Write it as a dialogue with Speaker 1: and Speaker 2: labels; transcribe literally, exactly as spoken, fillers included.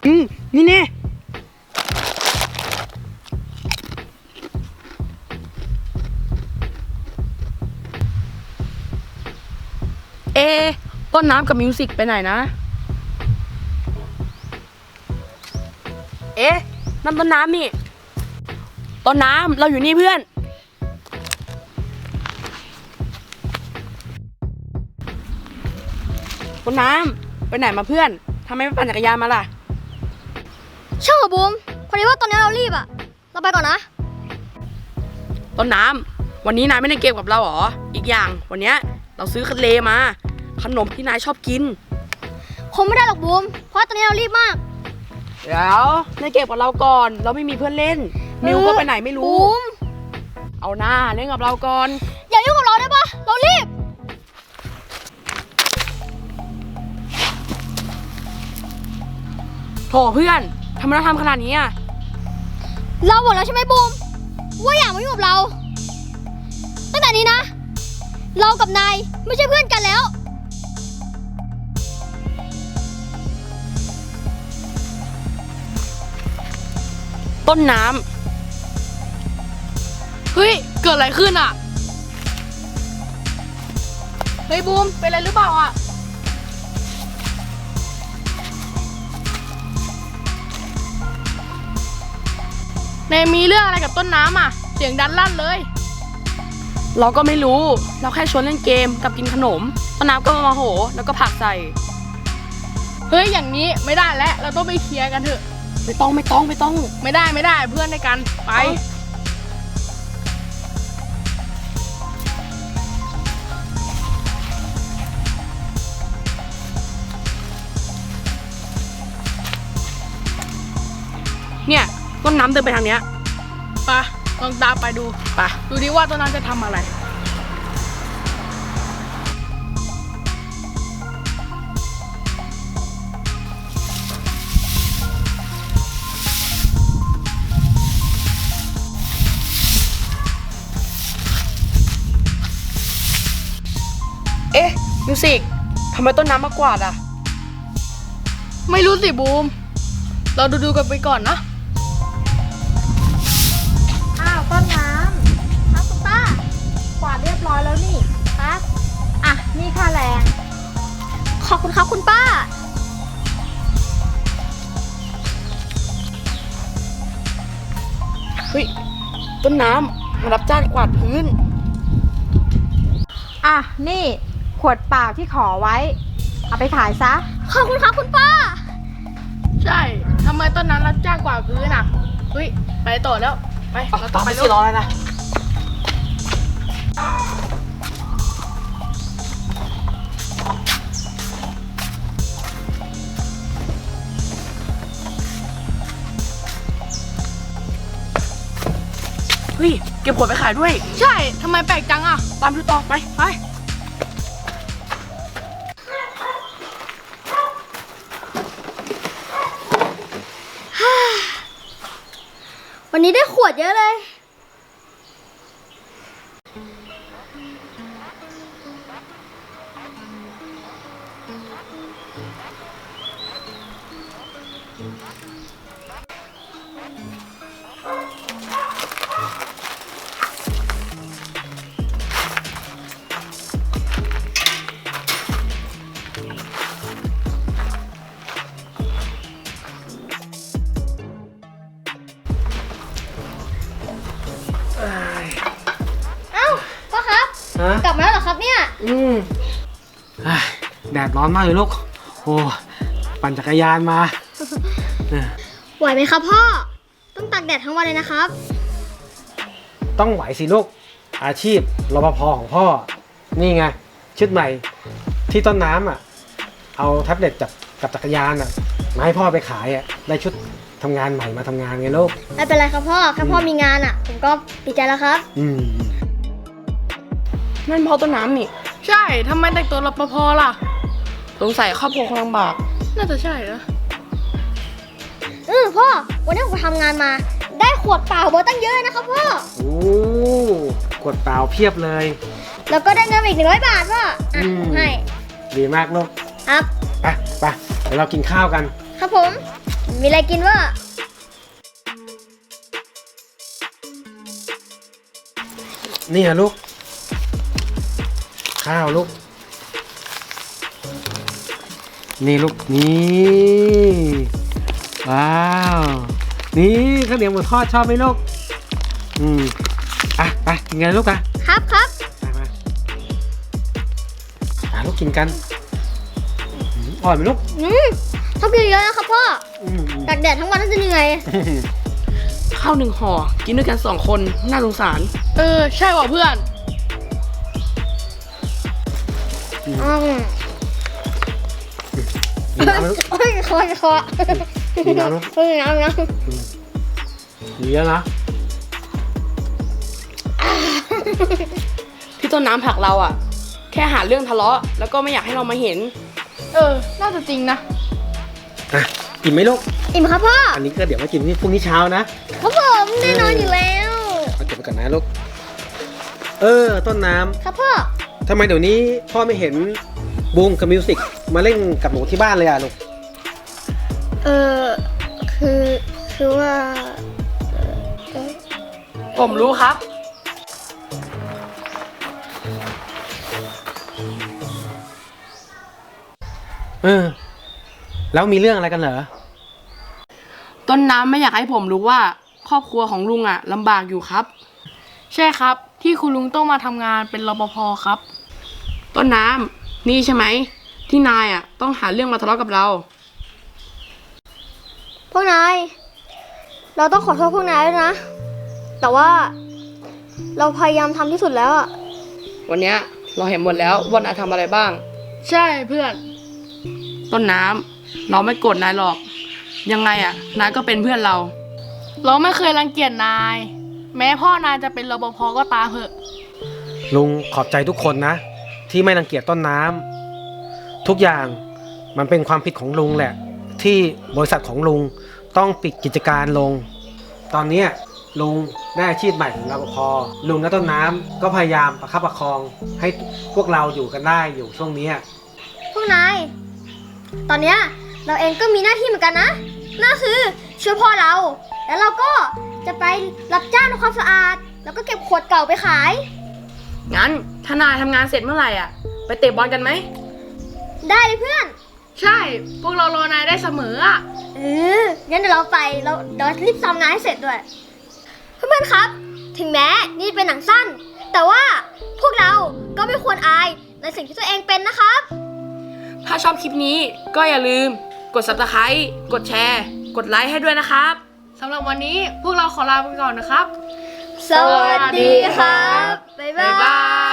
Speaker 1: อืมนี่แน่เอต้นน้ำกับมิวสิกไปไหนนะเอ๊ะนั่นต้นน้ำนี่ต้นน้ำเราอยู่นี่เพื่อนต้นน้ำไปไหนมาเพื่อนทำไมไม่ปั่นจักรยานมาล่ะ
Speaker 2: ช่างเหรอบูมพอดีว่าตอนนี้เรารีบอะเราไปก่อนนะ
Speaker 1: ต้นน้ำวันนี้นายไม่ได้เกมกับเราหรออีกอย่างวันนี้เราซื้อคันเลมาขนมที่นายชอบกิน
Speaker 2: คงไม่ได้หรอกบูมเพราะตอนนี้เรารีบมาก
Speaker 1: เดี๋ยวนายเก็บกับเราก่อนเราไม่มีเพื่อนเล่นมิวก็ไปไหนไม่รู้
Speaker 2: บูม
Speaker 1: เอาหน้าเล่นกับเราก่อน
Speaker 2: อย่ายุ่งกับเราได้ปะเรารีบ
Speaker 1: โถเพื่อนทำไมเราทำขนาดนี้อ่ะ
Speaker 2: เราบอกแล้วใช่ไหมบูมว่าอย่ามายุ่งกับเราตั้งแต่นี้นะเรากับนายไม่ใช่เพื่อนกันแล้ว
Speaker 1: ต้นน้ำเฮ้ยเกิดอะไรขึ้นอ่ะเฮ้ยบูมเป็นอะไรหรือเปล่าอ่ะเนยมีเรื่องอะไรกับต้นน้ำอ่ะเสียงดันลั่นเลยเราก็ไม่รู้เราแค่ชวนเล่นเกมกับกินขนมต้นน้ำก็มาโหแล้วก็ผลักใส่เฮ้ยอย่างนี้ไม่ได้แล้วเราต้องไปเคลียร์กันเถอะไม่ต้องไม่ต้องไม่ต้องไม่ได้ไม่ได้เพื่อนในกันไปเนี่ยต้นน้ำเดินไปทางเนี้ยไปลองตามไปดูไปดูดิว่าต้นน้ำจะทำอะไรเอ๊ะมิวสิกทำไมต้นน้ำมากวาดอ่ะไม่รู้สิบูมเราดูดูกันไปก่อนนะ
Speaker 2: อ้าวต้นน้ำครับคุณป้ากวาดเรียบร้อยแล้วนี่ครับอ่ะนี่ค่าแรงขอบคุณครับคุณป้า
Speaker 1: เฮ้ยต้นน้ำมารับจ้างกวาดพื้น
Speaker 3: อ่ะนี่ขวดเปล่าที่ขอไว้เอาไปขายซะ
Speaker 2: ขอบคุณครับคุณป้า
Speaker 1: ใช่ทำไมต้นนั้นรับจ้างกวาดพื้นอ่ะเฮ้ยไปต่อแล้วไปเราต้องไปรอแล้วนะเฮ้ยเก็บขวดไปขายด้วยใช่ทำไมแปลกจังอ่ะตามดูต่อไปไป
Speaker 2: วันนี้ได้ขวดเยอะเลยกลับมาแล้วเหรอครับเนี่ย
Speaker 4: อืมแดดร้อนมากเลยลูกโอ้ปั่นจักรยานมา
Speaker 2: ไหวไหมครับพ่อต้องตากแดดทั้งวันเลยนะครับ
Speaker 4: ต้องไหวสิลูกอาชีพรปภของพ่อนี่ไงชุดใหม่ที่ต้นน้ำอ่ะเอาแท็บเล็ตจับกับจักรยานอ่ะมาให้พ่อไปขายอ่ะได้ชุดทำงานใหม่มาทำงานไงลูก
Speaker 2: ไม่เป็นไรครับพ่อแค่พ่อมีงานอ่ะผมก็ดีใจแล้วครับ
Speaker 4: อืม
Speaker 1: นั่นพ่อต้นน้ำนี่ใช่ทำไมแต่งตัวรปภล่ะสงสัยครอบครัวคงลำบากน่าจะใช่นะ
Speaker 2: เออพ่อวันนี้ผมทำงานมาได้ขวดเปล่าเบอร์ตั้งเยอะนะครับพ่อ
Speaker 4: โอ้ขวดเปล่าเพียบเลย
Speaker 2: แล้วก็ได้เงินอีกหนึ่งร้อยบาทพ่ออ่ะให้
Speaker 4: ดีมากลูก
Speaker 2: ครับ
Speaker 4: ไปไปเดี๋ยวเรากินข้าวกัน
Speaker 2: ครับผมมี
Speaker 5: มีอะไรกินวะ
Speaker 4: นี่อะลูก ข้าวลูก นี่ลูก นี่ ว้าว นี่ข้าวเหนียวหมูทอดชอบไหมลูก อืม อ่ะไปกินกันลูกอ่ะ
Speaker 5: ครับครับ
Speaker 4: มามาอ่ะลูกกินกันอืมอร่อยไหมลูก
Speaker 5: อืมต้องกินเยอะนะครับพ่อ
Speaker 4: อืมอืม
Speaker 5: ตากแดดทั้งวันน่าจะเหนื่อย
Speaker 1: ข้าวหนึ่งห่อกินด้วยกันสองคนน่าสงสาร เออ ใช่ว่ะเพื่อน
Speaker 5: อืม
Speaker 4: กินน้ำไหมลูก
Speaker 5: โอ้ยคอคอ
Speaker 4: กินน้ำลูก
Speaker 5: เฮ้ยน้ำน้
Speaker 4: ดีแล้วนะ
Speaker 1: ที่ต้นน้ำผลักเราอ่ะ แค่หาเรื่องทะเลาะแล้วก็ไม่อยากให้เรามาเห็น เออ น่าจะจริงนะ
Speaker 4: อ่ะ กินไหมลูก
Speaker 5: ำอิ่มครับพ่อ
Speaker 4: อันนี้ก็เดี๋ยวมากินพรุ่งนี้เช้านะ
Speaker 5: ครับผมแน่นอนอยู่แล้ว
Speaker 4: เอาเก็บไปก่อนนะลูก เออ ต้นน้
Speaker 5: ครับพ่อ
Speaker 4: ำทำไมเดี๋ยวนี้พ่อไม่เห็นบูมกับมิวสิกมาเล่นกับหนูที่บ้านเลยอ่ะลูก
Speaker 5: เออคือคือว่า
Speaker 1: ผมรู้ครับ
Speaker 4: เออ แล้วมีเรื่องอะไรกันเหรอ
Speaker 1: ต้นน้ำไม่อยากให้ผมรู้ว่า ครอบครัวของลุงอ่ะลำบากอยู่ครับ ใช่ครับ ที่คุณลุงต้องมาทำงานเป็นรปภครับ ต้นน้ำนี่ใช่ไหมที่นายอ่ะต้องหาเรื่องมาทะเลาะกับเรา
Speaker 5: พวกนาย เราต้องขอโทษพวกนายด้วยนะ แต่ว่าเราพยายามทำที่สุดแล้วอะ
Speaker 1: วันเนี้ยเราเห็นหมดแล้วว่านายทำอะไรบ้าง ใช่เพื่อน ต้นน้ำเราไม่โกรธนายหรอก ยังไงอ่ะนายก็เป็นเพื่อนเรา เราไม่เคยรังเกียจนาย แม้พ่อนายจะเป็นรปภก็ตามเถอะ
Speaker 4: ลุงขอบใจทุกคนนะ ที่ไม่รังเกียจต้นน้ำทุกอย่างมันเป็นความผิดของลุงแหละ ที่บริษัทของลุงต้องปิดกิจการลง ตอนเนี้ยลุงได้อาชีพใหม่ของรปภลุงและต้นน้ำก็พยายามประคับประคองให้พวกเราอยู่กันได้อยู่ช่วงเนี้ย
Speaker 5: พวกนาย ตอนเนี้ยเราเองก็มีหน้าที่เหมือนกันนะนั่นคือช่วยพ่อเรา แล้วเราก็จะไปรับจ้างทำความสะอาด แล้วก็เก็บขวดเก่าไปขาย
Speaker 1: งั้นถ้านายทำงานเสร็จเมื่อไหร่อ่ะ ไปเตะบอลกันไหม
Speaker 5: ได้เลยเพื่อน
Speaker 1: ใช่ พวกเรารอนายได้เสมออ่ะ
Speaker 5: เอองั้นเดี๋ยวเราไปเราเดี๋ยวรีบทำงานให้เสร็จด้วย เพื่อนๆครับ ถึงแม้นี่เป็นหนังสั้น แต่ว่าพวกเราก็ไม่ควรอายในสิ่งที่ตัวเองเป็นนะครับ
Speaker 1: ถ้าชอบคลิปนี้ก็อย่าลืมกด ซับสไครบ์ กดแชร์ กดไลค์ให้ด้วยนะครับ สำหรับวันนี้พวกเราขอลาไปก่อนนะครับ
Speaker 5: สวัสดีครับ บ๊ายบา
Speaker 1: บ๊ายบาย ย